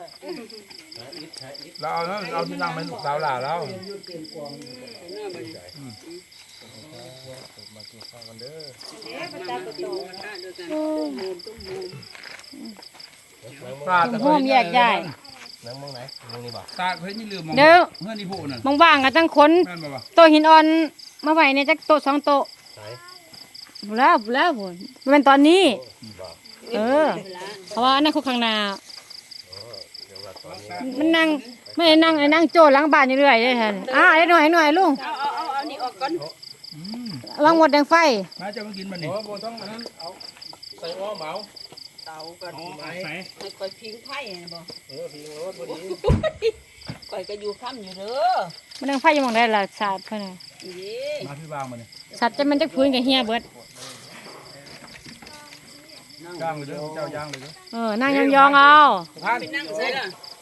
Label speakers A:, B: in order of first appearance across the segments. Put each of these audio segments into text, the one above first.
A: เราเอาที่นั่งเป็นลูกสาวหล่าแล้วมากินข้าวกันเด้อ
B: ตุ้มโฮมแยกย้าย
A: นั่งมองไหนมองนี่บ่ตาเพิ่นนี่ลืมมอง
B: เดี๋ยว
A: เมื่อนี่ผู้นั่น
B: ว่างๆก็ตั้งคน
A: แม่นบ่วะ
B: โต๊ะหินอ่อนมาไว้เนี่ยจักโต๊ะ2 โต๊ะบ่แล้วพุ่นมันเป็นตอนนี้เพราะว่าอันนั้นคุกข้างหน้ามันนั่งไม่ได้นั่งไอ้นั่งโจ้หลังบ้านอยู่เรื่อยเลยท่านได้หน่อยลุง
C: เอานี่ออกก่อน
B: วางหมดแดงไฟ
A: มาจะมากินมันนี่บ่ต้องมันเอาใส่อ้อเหมา
C: เตาก่อนให้ค่อยพิงไผ่บ่
A: พิงรถบ่ดี
C: ค่อยก็อยู่ค่ำอยู่เด้อ
B: มันแดงไฟอยู่หม่องใดล่ะสาดเพิ่นน่ะ
A: มาพี่วางมันนี่
B: สัตว์จะมันจักพื้นกับเฮียเบิด
A: ย่างเลยเด้อเจ้าย่างเลยเด้อ
B: นั่งยองๆเอา
C: ไปนั่งใส่ล่ะ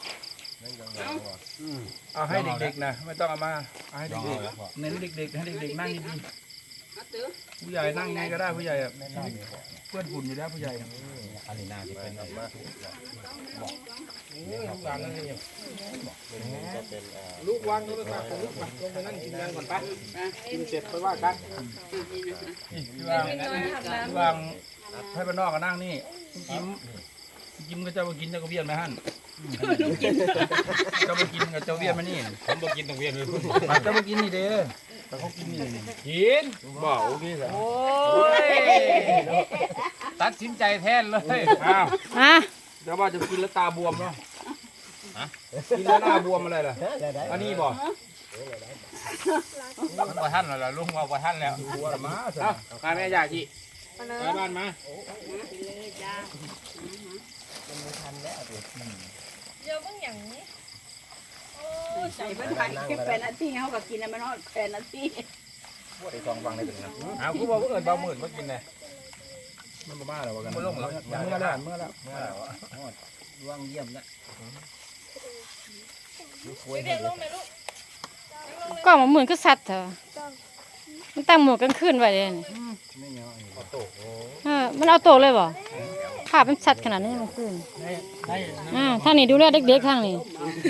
A: เอาให้เด็กๆนะไม่ต้องเอามาเอาให้เด็กๆเน้นเด็กๆให้เด็กๆนั่งดีๆผู้ใหญ่นั่งไงก็ได้ผู้ใหญ่เพื่อนฝุ่นอยู่แล้วผู้ใหญ่อันนี้น่าจะเป็นออกมาลูกวางโทรศัพท์ลูกลงไปนั่งกินกันก่อนไปกินเสร็จไปว่ากันวางให้บ้านนอกก็นั่งนี่กินก็จะมากินจะก็เวียนไหมฮั่นจะมากินกับเจ้าเวียนมานี่ผมบอกกินต้องเวียนเลยจะมากินนี่เด้อแต่เขากินนี่กินบอกโอเคสิโอ้ยตัดสินใจแทนเลยอ้าวเดี๋ยวว่าจะกินแล้วตาบวมเนาะกินแล้วหน้าบวมอะไรล่ะอันนี้บอกมันบ่ทันแล้วลุงว่าบ่ทันแล้วบัวมาเอ้าข้าแม่ยาจีไปบ้านมา
C: เดี๋ยวเบิ่งหยังโอ้ใจเบิ่งทัน8 นาทีเฮาก็กินแล้วมันฮอด8 นาที
A: ไปซองฟังได้ถึงนะอ้าวกูบอกว่าเอิ้นเบาหมื่นมากินเลยมันบ่มาแล้วว่ากันบ่ลงแล้วเมื่อแล้ววางเยี่ยมแล้ว
B: ก็มาเหมือนก็สัตว์เถอะมันตั้งหมวกกลางคืนไว้เลยมันเอาโตเลยบ่ภาพเป็นสัตว์ขนาดนี้กลางคืนท่านนี่ดูแลเด็กๆข้างนี้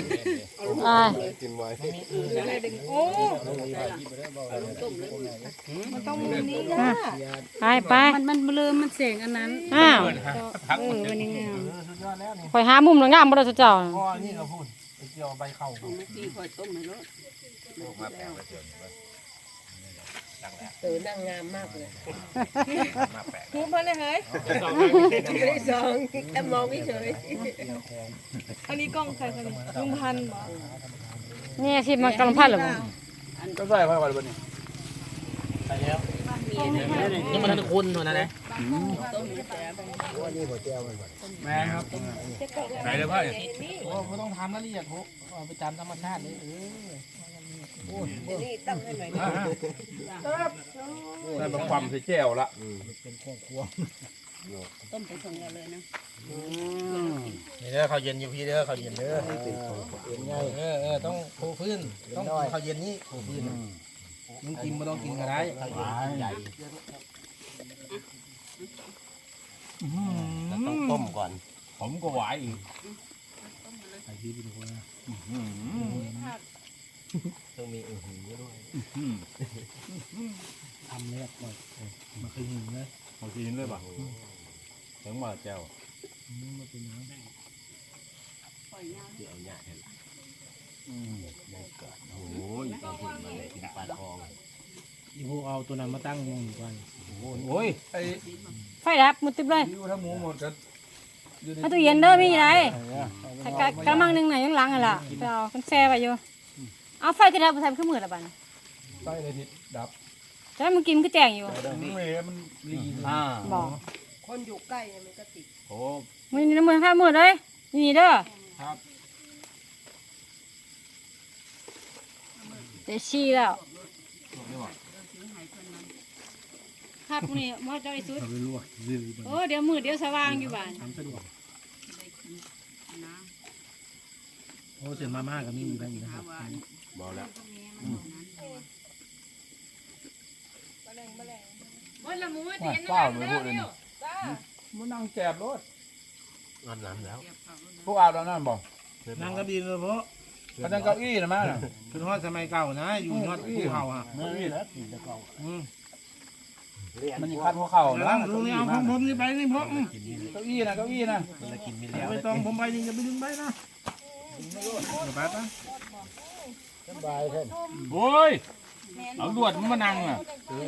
B: ไป
C: มันเริ่มมันเสียงอันนั้น
B: วันนี้คอยหามุมงามบ่ได้เจ้า
A: นี่เราพูดเกี่ยวใบเข้า
C: ค่อยต้มให้รสนั่งงามมากเลยทุบมาเลยเฮ้ยได้สองแค่มองเฉยอันนี้กล้องใครคะลุงพันธุ์
B: นี่ที่มันกำลังพันหรือเปล่า
A: ก็ใส่ไฟก่อนวันนี้ใส่แล้วนี่มันทุกคนนะนะแม่ครับใส่เลยพ่อโอ้ไม่ต้องทำละเอียดโหไปตามธรรมชาติเลย
C: นี่ตั้งให้หน่อย
A: ได้มาความใส่แจ่วละเป็นครัว
C: ต้มไปส่งเราเลยนะ
A: นี่เด้อข้าวเย็นอยู่พี่เด้อข้าวเย็นเด้อเป็นไงต้องปูพื้นต้องข้าวเย็นนี้ปูพื้นมึงกินไม่ต้องกินก็ได้ใหญ่ต้องต้มก่อนผมก็ไหวอีกไอ้ที่เป็นคนต้องมีอื้อหือด้วยทำเนี่ยก่อนมาคืนหินเลยมาคืนเลยป่ะถึงมาแก้วมาเป็นน้ำเดี๋ยวเนี่ยเห็นละเกิดโอ้ยต้องถึงมาเลยกินปลาทองอีพวกเอาตัวนั้นมาตั้งงงอยู่กันโอ้ย
B: ไฟดับมุดติบเลย
A: อยู่ทั้งหมูหมดกัน
B: ถ้าตู้เย็นเด้อมีอะไรกระมังนึงไหนยังหลังอ่ะล่ะไปเอาคนแซ่ไปอยู่เอาไฟกระดับไปทำขึ้นมือละบ้าน
A: ไฟเลยทิศดับ
B: จะให้มึงกินก็แจ้งอยู่
A: มันรี
B: บอก
C: คนอยู่ใกล้มันก็ติด
A: โอ้
B: มึงนี่น้ำมือข้ามือเลยนี่เด้อ
A: ครับ
B: เดี๋ยวชี้แล้วครับพวกนี้มอจอยสุดโอ้เดี๋ยวมืดเดี๋ยวสว่างอยู่บ้าน
A: โอ้เสร็จมาม่ากับมีอยู่ได้อยู่นะครับบอกแล้ว
C: วันละมื้อ
A: ที่เปล่าเลยพูดเลยมันนั่งแจบรถอาบน้ำแล้วพวกอาบน้ำบอก
D: นั่งก็ดีเลยเพราะ
A: เขาตั้งเก้าอี้นะมั้ง
D: คือทอดสมัยเก่านะอยู่ยอดภูเขาอ่ะ
A: เก้าอี้แล้ว
D: อืม
A: มันยิงคัดหัวเข่า
D: แล้
A: นะ
D: วลุงนี่เอาของผมนี่ไปนี่เพราะ
A: เก้าอี้นะเก้าอี้นะ
D: ไม่ต้องผมไปนี่จะไปดึงไปนะไปปะ
A: โอ้ยเอาลวดมันมานั่งอ่ะโอ้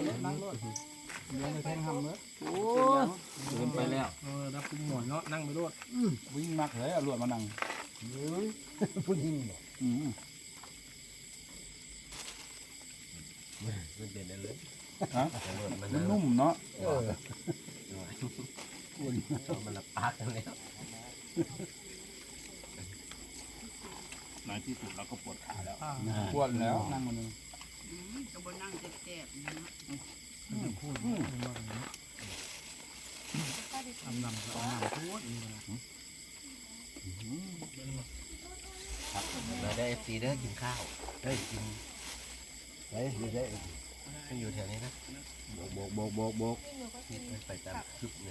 A: เกินไปแล้ว
D: รับคุณหมอนเนาะนั่งไปรถ
A: วิ่งมักเลยเอาลวดมานั่งผู้หญิงมันเป็นอะไรฮะมันนุ่มเนาะมันละปากกันแล้วในที่สุดเราก็ปวดขาแล้วปวดแล้วนั่งมันนึง
E: ก็บ่นั่งเจ็บๆนะ
D: ทำนำเอาน้ำทุกนี่นะ
F: เราได้FC เด้อกินข้าวได้กินมันอยู่แถวนี้นะโบกไปตามคลิปเนี่ย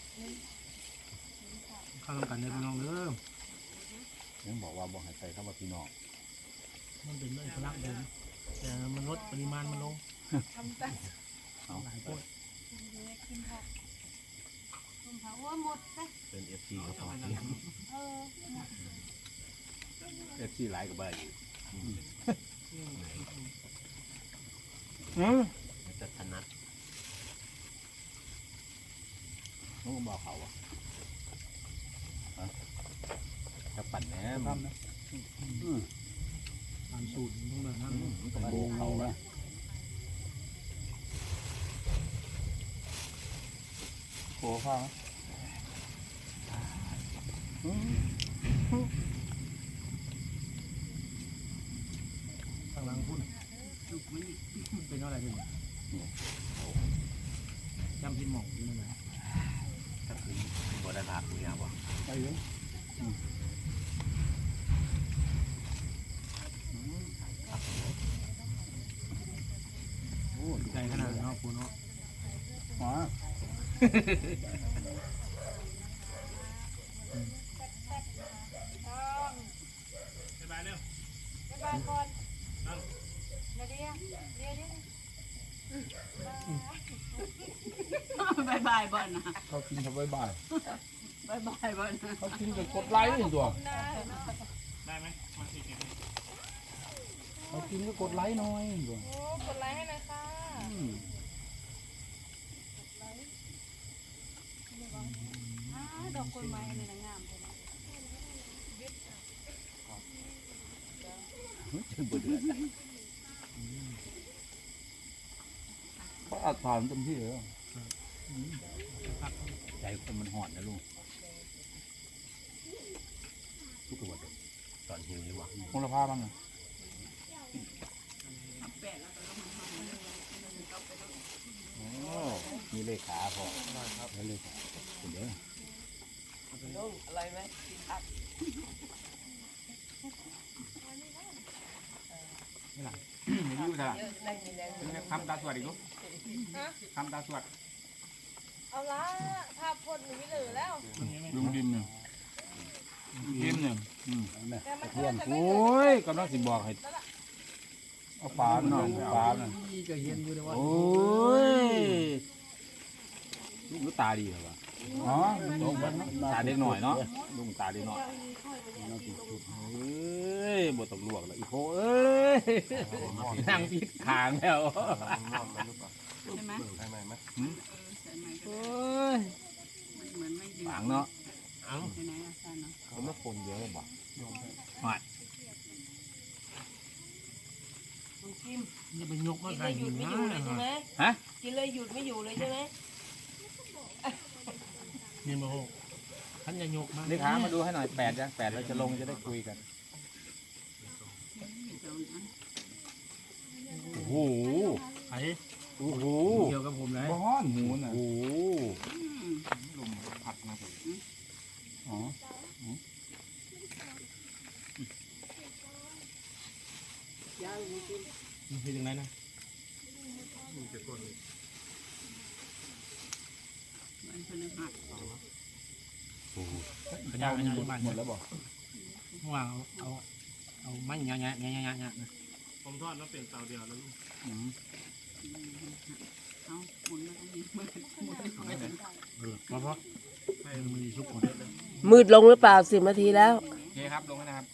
D: ข้าวกันในพี่น้องเด้อ
A: ยังบอกว่าบอกให้ใส่เข้ามาพี่น้อง
D: มันเป็นเรื่องพลังเดิมแต่มันลดปริมาณมันลง
A: เอาหลายคน
F: เป็น FC ก็พอ
A: FC หลายกับใบ
F: จะถนัด
A: น้องบอกเขาอ่ะจะปั่นแหนม
D: ตามสูตรต้องแบบนั้น
A: ต้องโบกเขาละโบกเขา
D: ข้างหลังพุ่นเป็นอะไรเป็นจำพินหมองอยู่นั่นแหละ
F: ก็คือบัวดาราคุยเอาบ่
A: ไปเลย
D: ใจขนาดเนาะคุณเนาะ
A: อ๋อ
E: บายบายบ่นะ
A: เขากินเขาบ่าย
E: บายบายบ่นะ
A: เขากินกับกดไลค์นี่ตัว
D: ได้ไหมมาสิเก็บ
A: เขากินก็กดไลค์หน่อยตัว
C: โอ้กดไลค์ให้หน่อยค่ะ
E: ดอกกล้วยไม้นี่นะงามเลยนะ
A: บ่เดือดเขาอัดผ่านเต็มที่เลยใจคนมันหอนนะลุง
F: ทุกตัวตอนหิวนี่หว่า
A: คงละผ้าบ้างนะ
E: แปะแล้วก็ลงมาทำเลย
A: โอ้มีเลขาพอครับเลขาเดี๋ยว
C: อะไรไหมกินผัก
A: ไม่รู้ท่า
C: เยอะแรงมีแรง
A: ทำตาสวดอีกลูกทำตาสวด
C: เอาละภาพพจน์หนูไม่เหลือแล้ว
A: ลุงดินเนี่ยดินเนี่ย
C: แต่มันก็จะไม่
A: โอ้
C: เหลือย
A: กำลังสิบอกให้เอาปลาหน่อยปลาหน่อย
D: ก็เห็นอยู่ในวัด
A: โอ้ยลูกตาดีเหรอวะอ๋อตาเด็กหน่อยเนาะลุงตาเด็กหน่อยเอ้ยบทตำรวจแล้วอีโคเอ้ยนั่งพิษขางแล้ว
E: ใช่ไหม
F: ใช่ไหมมั้ย
E: ใช่ไหม
A: โอ้ย
E: เหมือนไม่ดื่ม
A: ขางเนาะ
E: ไปไหนอาจารย์เนาะ
F: เขาไม่คนเยอะหรอ
C: คุณกิม
D: จะเป็นยกมา
C: กิน
D: ใส่
C: เลยหยุ
D: หิ
C: ด
D: น
C: ไม่
D: นะ
C: อยู่เลยใช่ไหม
A: ฮะ
C: กินเลยหยุดไม่อยู่เลยใช่ไหม
D: นี่มาโหท่านจะยกมา
A: เลขามาดูให้หน่อย8ยัง8เราจะลงจะได้คุยกันโอ้โห
D: ไอ้
A: โอ้โห
D: เกี่ยวกับผมเลย
A: บ้อนหมูน่ะ
F: โอ้
A: ลมพัดมาอ๋อ
D: มันเป็นยังไงนะ
E: มันพฤหัส
D: ขยะอันนี้บ้าน
A: หมดแล้วบอก
D: ว่าเอามันเงี้ย
G: ผมทอดแล้วเปลี่ยนเตาเดียวแล้วลูก
E: เอาหมุนมาตรงนี้มือ
D: เพราะให้มันมีซุปก่อน
C: มืดลงหรือเปล่า10 นาทีแล้ว
A: โอเคครับลงแล้วนะครับ